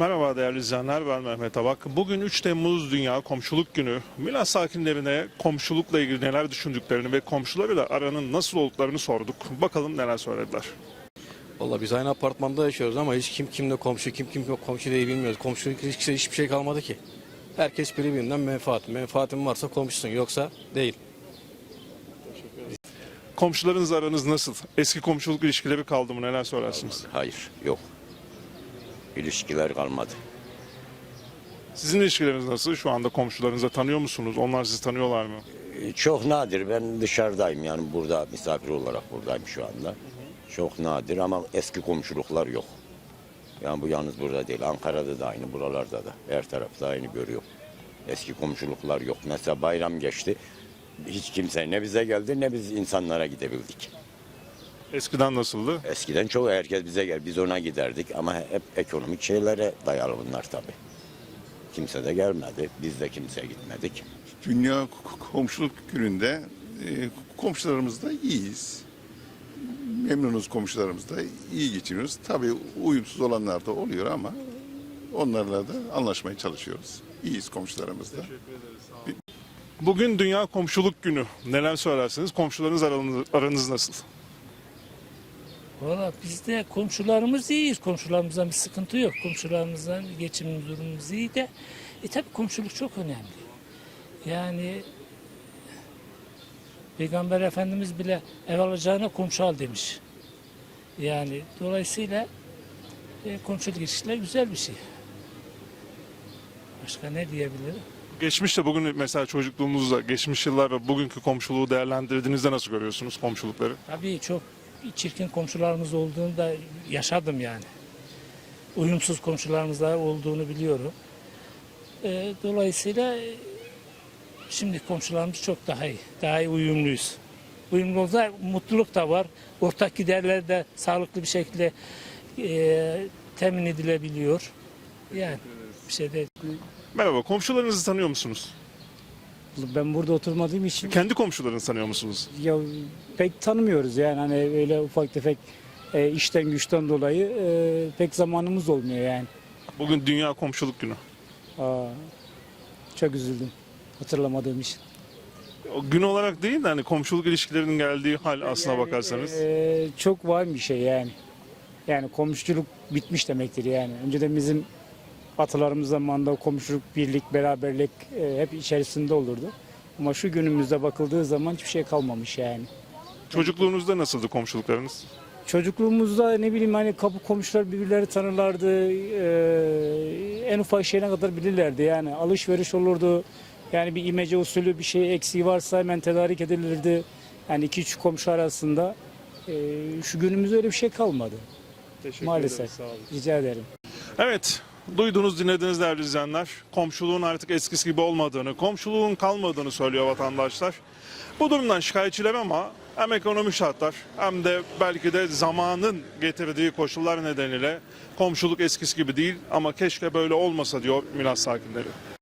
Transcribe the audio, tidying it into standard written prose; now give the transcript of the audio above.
Merhaba değerli izleyenler, ben Mehmet Abak. Bugün 3 Temmuz Dünya Komşuluk Günü. Milas sakinlerine komşulukla ilgili neler düşündüklerini ve komşularıyla aranın nasıl olduklarını sorduk. Bakalım neler söylediler. Vallahi biz aynı apartmanda yaşıyoruz ama hiç kim kimle komşu, kim kimle komşu değil bilmiyoruz. Komşuluk ilişkisi hiçbir şey kalmadı ki. Herkes birbirinden menfaat. Menfaatin varsa komşusun, yoksa değil. Komşularınızla aranız nasıl? Eski komşuluk ilişkileri kaldı mı? Neler söylersiniz? Hayır, yok. İlişkiler kalmadı. Sizin ilişkileriniz nasıl? Şu anda komşularınızı tanıyor musunuz? Onlar sizi tanıyorlar mı? Çok nadir. Ben dışarıdayım, yani burada misafir olarak buradayım şu anda. Çok nadir ama eski komşuluklar yok. Yani bu yalnız burada değil. Ankara'da da aynı, buralarda da. Her tarafta aynı görüyor. Eski komşuluklar yok. Mesela bayram geçti. Hiç kimse ne bize geldi ne biz insanlara gidebildik. Eskiden nasıldı? Eskiden çok herkes bize gel, biz ona giderdik ama hep ekonomik şeylere dayalı bunlar tabii. Kimse de gelmedi, biz de kimseye gitmedik. Dünya Komşuluk Günü'nde komşularımızla iyiyiz. Memnunuz komşularımızla, iyi geçiniyoruz. Tabii uyumsuz olanlar da oluyor ama onlarla da anlaşmaya çalışıyoruz. İyiyiz komşularımızla. Bugün Dünya Komşuluk Günü. Neler söylersiniz? Komşularınız aranız nasıl? Valla bizde komşularımız iyiyiz. Komşularımızdan bir sıkıntı yok. Komşularımızdan geçim durumumuz iyi de. Tabi komşuluk çok önemli. Yani Peygamber Efendimiz bile ev alacağına komşu al demiş. Yani dolayısıyla komşuluk ilişkiler güzel bir şey. Başka ne diyebilirim? Geçmişte bugün mesela çocukluğunuzda, geçmiş yıllar ve bugünkü komşuluğu değerlendirdiğinizde nasıl görüyorsunuz komşulukları? Tabii çok çirkin komşularımız olduğunu da yaşadım yani. Uyumsuz komşularımız da olduğunu biliyorum. Dolayısıyla şimdi komşularımız çok daha iyi. Daha iyi uyumluyuz. Uyumluluğunda mutluluk da var. Ortak giderler de sağlıklı bir şekilde temin edilebiliyor. Yani bir şey değil. Merhaba, komşularınızı tanıyor musunuz? Ben burada oturmadığım için Kendi komşularınızı tanıyor musunuz? ya pek tanımıyoruz yani hani öyle ufak tefek işten güçten dolayı pek zamanımız olmuyor yani. Bugün Dünya Komşuluk Günü. Aa, çok üzüldüm hatırlamadığım için. O gün olarak değil de hani komşuluk ilişkilerinin geldiği hal aslına bakarsanız. Çok var bir şey yani. Yani komşuluk bitmiş demektir yani. Önceden bizim atalarımız zamanında komşuluk, birlik, beraberlik hep içerisinde olurdu. Ama şu günümüzde bakıldığı zaman hiçbir şey kalmamış yani. Çocukluğunuzda nasıldı komşuluklarınız? Çocukluğumuzda ne bileyim hani kapı komşular birbirleri tanırlardı. En ufak şeyine kadar bilirlerdi yani. Alışveriş olurdu. Yani bir imece usulü bir şey eksiği varsa hemen tedarik edilirdi. Yani iki üç komşu arasında. Şu günümüzde öyle bir şey kalmadı. Maalesef. Rica ederim. Evet, duyduğunuz, dinlediğiniz değerli izleyenler, komşuluğun artık eskisi gibi olmadığını, komşuluğun kalmadığını söylüyor vatandaşlar. Bu durumdan şikayetçiler ama hem ekonomik şartlar hem de belki de zamanın getirdiği koşullar nedeniyle komşuluk eskisi gibi değil ama keşke böyle olmasa diyor Milas sakinleri.